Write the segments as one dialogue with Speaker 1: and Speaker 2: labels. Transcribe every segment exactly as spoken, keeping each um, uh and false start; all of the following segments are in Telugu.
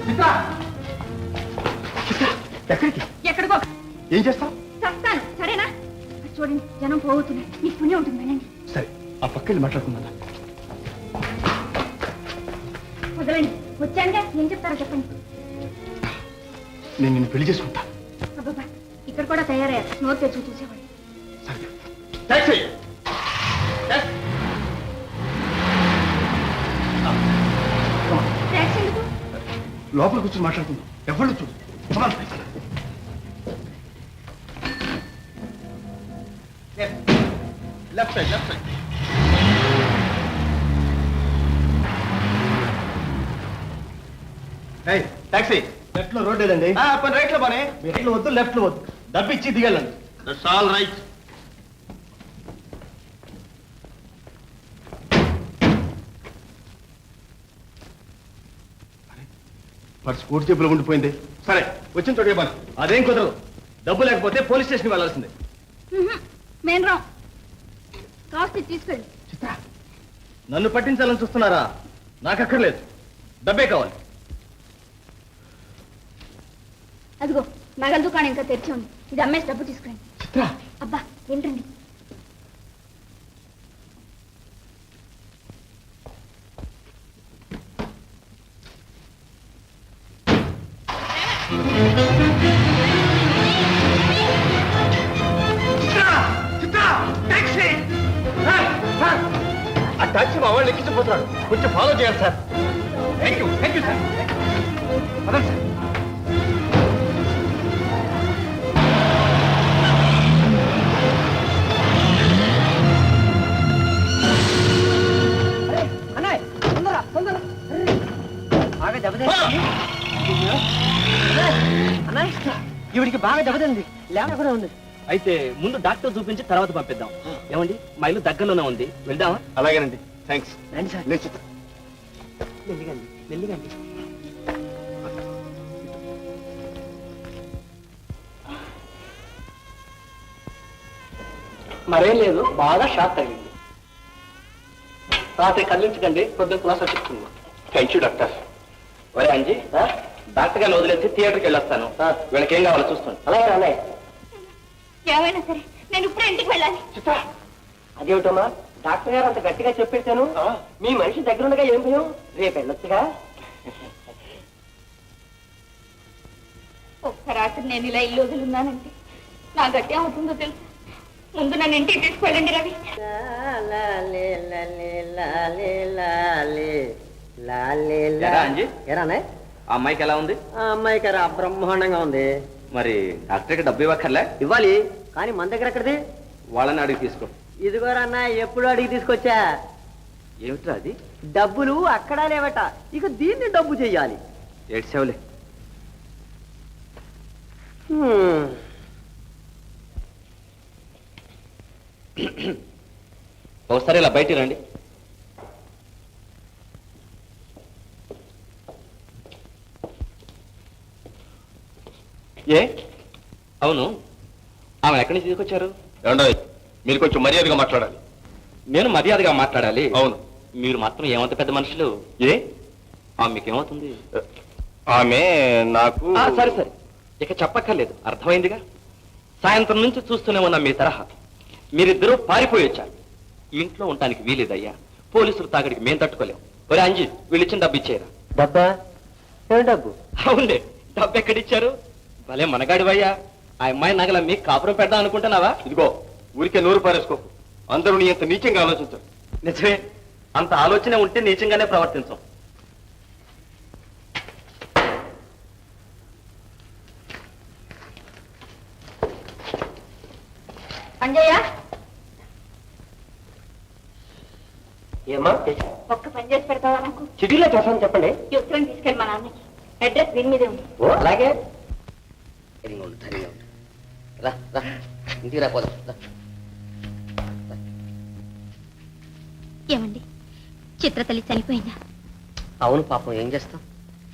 Speaker 1: ఎక్కడికి?
Speaker 2: ఎక్కడికో.
Speaker 1: ఏం చేస్తావు?
Speaker 2: చస్తాను, సరేనా? చూడండి, జనం పోతున్నాయి, మీకు పుణ్యం ఉంటుంది. వెళ్ళండి.
Speaker 1: సరే, ఆ పక్కకి మాట్లాడుకుందా.
Speaker 2: వదలండి, వచ్చానుగా, ఏం చెప్తారో చెప్పండి.
Speaker 1: నేను నిన్ను పెళ్లి చేసుకుంటా.
Speaker 2: అబ్బాబా, ఇక్కడ కూడా తయారయ్యారు, నోరు తెచ్చి చూసేవాడు.
Speaker 1: సరే, టాక్సీ.
Speaker 2: ట్యాక్సీ ఎందుకు?
Speaker 1: లోపల కూర్చొని మాట్లాడుకుందాం, ఎవరు చూడు. Left side, left side. Taxi. Left లో రోడ్ లేదండి. రైట్ లో బానే. రైట్ లో వద్దు, లెఫ్ట్ లో వద్దు. డబ్బు ఇచ్చి దిగాలండి. That's all right. పర్స్ కోటి జేబులో ఉండిపోయింది. సరే, వచ్చిన చోటు బాను. అదేం కుదరదు. డబ్బు లేకపోతే పోలీస్ స్టేషన్కి వెళ్ళాల్సిందే.
Speaker 2: మేము రాం. కాస్త తీసుకెళ్ళి.
Speaker 1: చిత్ర, నన్ను పట్టించాలని చూస్తున్నారా? నాకు అక్కర్లేదు, డబ్బే కావాలి.
Speaker 2: అదిగో నగల దుకాణం ఇంకా తెరిచి ఉంది, ఇది అమ్మేసి డబ్బు తీసుకురండి.
Speaker 1: చిత్ర,
Speaker 2: అబ్బా ఏంటండి?
Speaker 1: ఆ టాక్సీ మా వాళ్ళు ఎక్కించిపోతున్నాడు, కొంచెం ఫాలో చేయాలి sir. Thank you, thank you sir. పదండి సార్.
Speaker 3: ఈవిడికి బాగా దెబ్బతింది, లేకుండా ఉంది.
Speaker 4: అయితే ముందు డాక్టర్ చూపించి తర్వాత పంపిద్దాం. ఏమండి, మా ఇల్లు దగ్గరలోనే ఉంది, వెళ్దామా?
Speaker 1: అలాగేనండి, థ్యాంక్స్.
Speaker 3: రండి సార్.
Speaker 1: లేదు చిత్ర.
Speaker 3: మెల్లిగండి, మెల్లిగండి. మరేం లేదు, బాగా షాక్ తగిలింది. రాత్రి కదిలించకండి, పొద్దున్న క్లాస్ వచ్చింది.
Speaker 1: Thank you doctor.
Speaker 4: ఒరే అంజీ, డాక్టర్ గారిని వదిలేసి థియేటర్కి వెళ్ళొస్తాను. వీళ్ళకి ఏం కావాలో చూస్తాను.
Speaker 3: అలాగే అలాగే.
Speaker 2: ఏమైనా సరే నేను ఇప్పుడు ఇంటికి వెళ్ళాలి.
Speaker 3: చిత్ర, అదేమిటమ్మా, డాక్టర్ గారు అంత గట్టిగా చెప్పేశాను. మీ మనిషి దగ్గరుండగా ఏం భయం? రేపు వెళ్ళొచ్చుగా.
Speaker 2: ఒక్క రాత్రి నేను ఇలా ఇల్లు వదిలిన్నానంటే నా గట్టి అవుతుందో తెలుసు. ముందు నన్ను ఇంటికి తీసుకెళ్ళండి రవి.
Speaker 4: ఎరానే ఆ అమ్మాయికి ఎలా ఉంది?
Speaker 3: ఆ అమ్మాయికి రా బ్రహ్మాండంగా ఉంది.
Speaker 4: మరి డాక్టర్కి డబ్బు ఇవ్వక్కర్లే?
Speaker 3: ఇవ్వాలి, కానీ మన దగ్గర ఎక్కడిది?
Speaker 4: వాళ్ళని అడిగి తీసుకో.
Speaker 3: ఇదిగోరన్న, ఎప్పుడు అడిగి తీసుకొచ్చా.
Speaker 4: ఏమిట్రా అది?
Speaker 3: డబ్బులు అక్కడా లేవట, ఇక దీన్ని డబ్బు చెయ్యాలి.
Speaker 4: ఏడ్చావులే. ఒకసారి ఇలా బయటికి రండి. ఏ అవును, ఆమె ఎక్కడి నుంచి తీసుకొచ్చారు?
Speaker 1: ఏమండో, మీరు కొంచెం మర్యాదగా మాట్లాడాలి.
Speaker 4: నేను మర్యాదగా మాట్లాడాలి?
Speaker 1: అవును.
Speaker 4: మీరు మాత్రం ఏమంత పెద్ద మనుషులు. ఏ ఆమె మీకేమవుతుంది?
Speaker 1: ఆమె నాకు.
Speaker 4: సరే సరే, ఇక చెప్పక్కర్లేదు, అర్థమైందిగా. సాయంత్రం నుంచి చూస్తూనే ఉన్నా మీ తరహా. మీరిద్దరూ పారిపోయి వచ్చారు. ఇంట్లో ఉండటానికి వీలేదయ్యా, పోలీసులు తాగడికి మేం తట్టుకోలేం. ఒరే అంజీ, వీళ్ళు ఇచ్చిన డబ్బు ఇచ్చేయరా.
Speaker 3: డబ్బా? ఏం డబ్బు?
Speaker 4: అవునులే, డబ్బు ఎక్కడిచ్చారు? భలే మనగాడివయ్యా. ఆ అమ్మాయి నగల మీకు కాపురం పెడదాం అనుకుంటున్నావా?
Speaker 1: ఇదిగో, ఊరికే నోరు పారేసుకో. అందరూ నీ అంత నీచంగా ఆలోచించారు.
Speaker 4: నిజమే, అంత ఆలోచన ఉంటే నీచంగానే ప్రవర్తించాం.
Speaker 2: అంజయ్య,
Speaker 3: ఏమా?
Speaker 2: ఒక్క పని చేసి పెడతావా నాకు?
Speaker 3: చిటీలో చేస్తాను, చెప్పండి.
Speaker 2: ఈ ఉత్తరం తీసుకెళ్ళి మా నాన్నకి. అడ్రస్ దీని మీదే ఉంది.
Speaker 3: ఓ అలాగే.
Speaker 5: రా రా, ఇంటికి రాపోదాం.
Speaker 2: ఏమండి, చిత్రతల్లి చనిపోయిందా?
Speaker 5: అవును పాపం, ఏం చేస్తాం.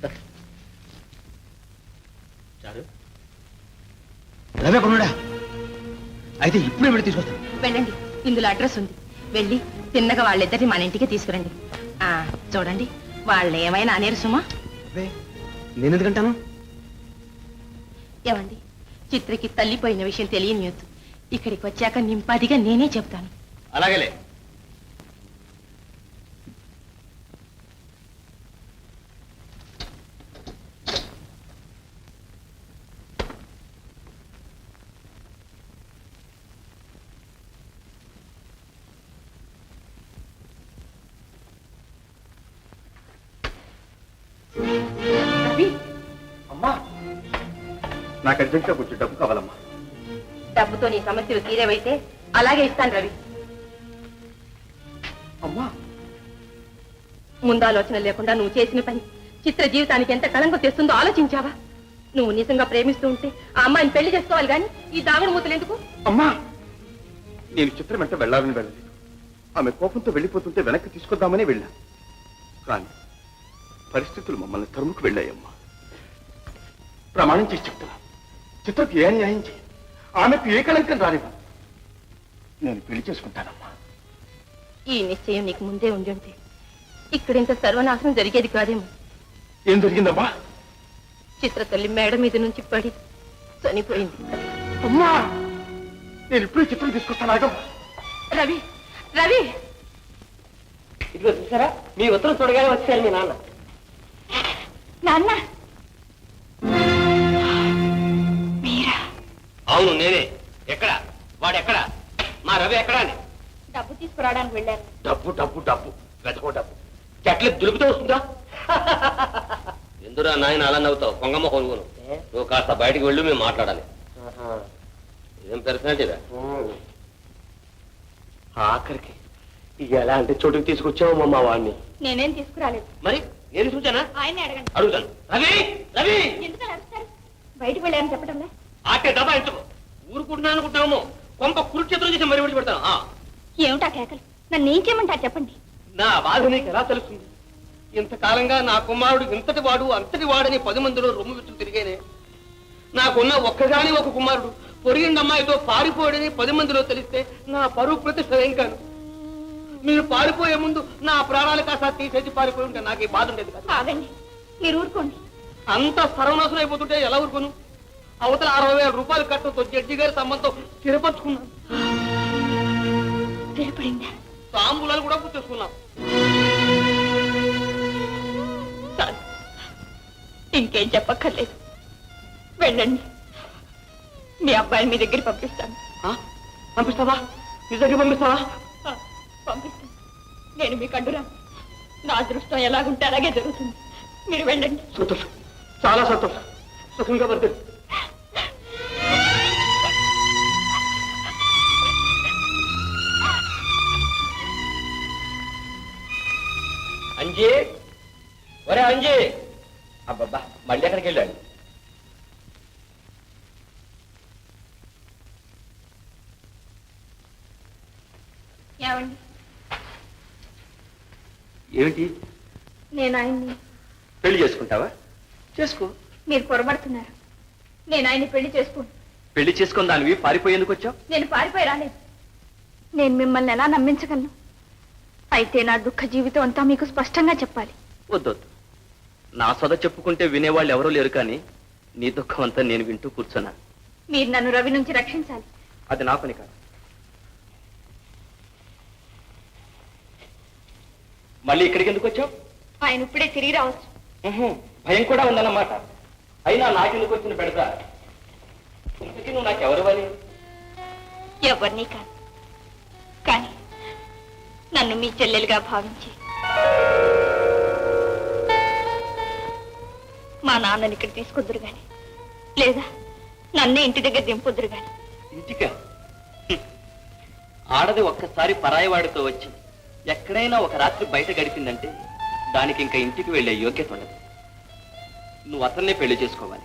Speaker 1: రవే కొనుడా, అయితే ఇప్పుడే వెళ్ళి తీసుకొస్తాను.
Speaker 6: వెళ్ళండి, ఇందులో అడ్రస్ ఉంది. వెళ్ళి తిన్నగా వాళ్ళిద్దరిని మన ఇంటికి తీసుకురండి. ఆ చూడండి, వాళ్ళు ఏమైనా అనేరు సుమా?
Speaker 1: నేను ఎందుకంటాను?
Speaker 6: ఏమండి, చిత్రకి తల్లిపోయిన విషయం తెలియనియొద్దు. ఇక్కడికి వచ్చాక నింపాదిగా నేనే చెప్తాను.
Speaker 1: అలాగేలే.
Speaker 6: రవి,
Speaker 1: అమ్మా, నాకు అర్జెంట్గా కొంచెం డబ్బు కావాలమ్మా.
Speaker 6: డబ్బుతో నీ సమస్యలు తీరేవైతే అలాగే ఇస్తాను రవి.
Speaker 1: అమ్మా,
Speaker 6: ముందాలోచన లేకుండా నువ్వు చేసిన పని చిత్ర జీవితానికి ఎంత కళంకం తెస్తుందో ఆలోచించావా? నువ్వు నిజంగా ప్రేమిస్తూ ఉంటే ఆ అమ్మాయిని పెళ్లి చేసుకోవాలి కానీ ఈ దాగుడు మూతలు ఎందుకు?
Speaker 1: అమ్మా, నేను చిత్రం వెంట వెళ్ళాలని వెళ్ళలేదు. ఆమె కోపంతో వెళ్ళిపోతుంటే వెనక్కి తీసుకొద్దామని వెళ్ళా. కానీ పరిస్థితులు మమ్మల్ని తరుముకు వెళ్ళాయమ్మా. ప్రమాణం చేసి చెప్తున్నా, చిత్రకు ఏ న్యాయం చేయి, ఆమెకు ఏ కళంకం రానివ్వ. నేను పెళ్లి చేసుకుంటానమ్మా.
Speaker 6: ఈ నిశ్చయం నీకు ముందే ఉండి ఉంటే ఇక్కడింత సర్వనాశనం జరిగేది కాదేమో.
Speaker 1: ఏం జరిగిందమ్మా?
Speaker 6: చిత్ర తల్లి మేడ మీద నుంచి పడి చనిపోయింది.
Speaker 1: అమ్మా, నేను ఇప్పుడే చిత్రం తీసుకొస్తాను. ఆగమ్మా.
Speaker 6: రవి, రవి,
Speaker 3: ఇదిగో చూసారా, మీ ఉత్తరం చూడగానే వచ్చారు మీ నాన్న.
Speaker 2: నాన్న,
Speaker 4: అవును నేనే. ఎక్కడ వాడు? ఎక్కడ మా రవి? ఎక్కడా అని
Speaker 2: డబ్బు తీసుకురావడానికి వెళ్ళాను.
Speaker 4: డబ్బు డబ్బు డబ్బు వెతకో డబ్బు చెట్లు దులుపుతూ వస్తుందా? ఎందురా నాయన అలా నవ్వుతావు? కొంగమ్మ కొనుగోను. నువ్వు కాస్త బయటికి వెళ్ళి మేము మాట్లాడాలి. ఏం పర్సనాలిటీరా? ఆఖరికి ఎలాంటి చోటుకి తీసుకొచ్చావు మా వాడిని?
Speaker 2: నేనేం తీసుకురాలేదు.
Speaker 4: మరి నేను చూచానా?
Speaker 2: ఆయనే అడగండి.
Speaker 4: అడుగుతాను. రవి, రవి,
Speaker 2: ఎందుకని అడుగుతారు? బయటకు వెళ్ళారని చెప్పడంలే.
Speaker 4: ఆటే దబా ఎంచుకో. ఊరుకుంటున్నాను అనుకుంటున్నాము. కొంప కురుక్షేత్రం చేసి మరి విడిచి పెడతాను.
Speaker 2: ఏమిటా కేకలు? నన్ను ఏం చేయమంటారు చెప్పండి.
Speaker 4: నా బాధ నీకు ఎలా తెలుస్తుంది? ఇంతకాలంగా నా కుమారుడు ఇంతటి వాడు అంతటి వాడని పది మందిలో రొమ్ము విచ్చులు తిరిగేనే. నాకున్న ఒక్కగాని ఒక కుమారుడు పొరిగిండి అమ్మాయితో పారిపోయాడని పది మందిలో తెలిస్తే నా పరువు ప్రతిష్ట ఏం కాదు. మీరు పారిపోయే ముందు నా ప్రాణాలు కాస్త తీసేసి పారిపోయి ఉంటే నాకు ఈ బాధ ఉండేది కాదు.
Speaker 2: ఆగండి, మీరు ఊరుకోండి.
Speaker 4: అంత సర్వనాశనం అయిపోతుంటే ఎలా ఊరుకోను? అవతల అరవై వేల రూపాయలు కట్టడంతో జడ్జి గారి సంబంధం స్థిరపరచుకున్నాను.
Speaker 2: స్థిరపడిందా?
Speaker 4: తాంబూలాలు కూడా గుర్తేసుకున్నాం.
Speaker 2: చాలు, ఇంకేం చెప్పక్కర్లేదు. వెళ్ళండి, మీ అబ్బాయిని మీ దగ్గర పంపిస్తాను.
Speaker 4: పంపిస్తావా? నిజంగా పంపిస్తావా?
Speaker 2: ఆ, పంపిస్తాను. నేను మీకు అడ్డురా. నా అదృష్టం ఎలాగుంటే అలాగే జరుగుతుంది. మీరు వెళ్ళండి.
Speaker 4: సంతోషం, చాలా సంతోషం. సుఖంగా వర్తి. అంజీ, ఒరే అంజీ. అబ్బబ్బా, మళ్ళీ ఎక్కడికి వెళ్ళాడు?
Speaker 2: ఏమండి,
Speaker 4: ఏమిటి?
Speaker 2: నేను ఆయన్ని.
Speaker 4: పెళ్లి చేసుకుంటావా? చేసుకో.
Speaker 2: మీరు పొరపడుతున్నారు. నేను ఆయన్ని పెళ్లి చేసుకోను.
Speaker 4: పెళ్లి చేసుకుని దానివి పారిపోయేందుకు వచ్చావు?
Speaker 2: నేను పారిపోయి రాలేదు. నేను మిమ్మల్ని ఎలా నమ్మించగలను? అయితే నా దుఃఖ జీవితం అంతా మీకు స్పష్టంగా చెప్పాలి.
Speaker 4: వద్దొద్దు. నా సొద చెప్పుకుంటే వినేవాళ్ళు ఎవరూ లేరు, కానీ నీ దుఃఖం అంతా నేను వింటూ కూర్చున్నా.
Speaker 2: మీరు నన్ను రవి నుంచి రక్షించాలి.
Speaker 4: అది నా పని కాదు. మళ్ళీ ఇక్కడికి ఎందుకు వచ్చావు?
Speaker 2: ఆయన ఇప్పుడే తిరిగి రావచ్చు.
Speaker 4: భయం కూడా ఉందన్నమాట. అయినా నాకెందుకు వచ్చిన పెడతా? ఇంతకీ నువ్వు నాకెవరివని?
Speaker 2: ఎవరిని కాదు, కానీ నన్ను మీ చెల్లెలుగా భావించి మా నాన్నని ఇక్కడ తీసుకొద్దురు గాని, లేదా నన్నే ఇంటి దగ్గర దింపొద్దురు గాని.
Speaker 4: ఇంటికా? ఆడది ఒక్కసారి పరాయివాడితో వచ్చి ఎక్కడైనా ఒక రాత్రి బయట గడిపిందంటే దానికి ఇంకా ఇంటికి వెళ్ళే యోగ్యత ఉండదు. నువ్వు అతన్నే పెళ్లి చేసుకోవాలి.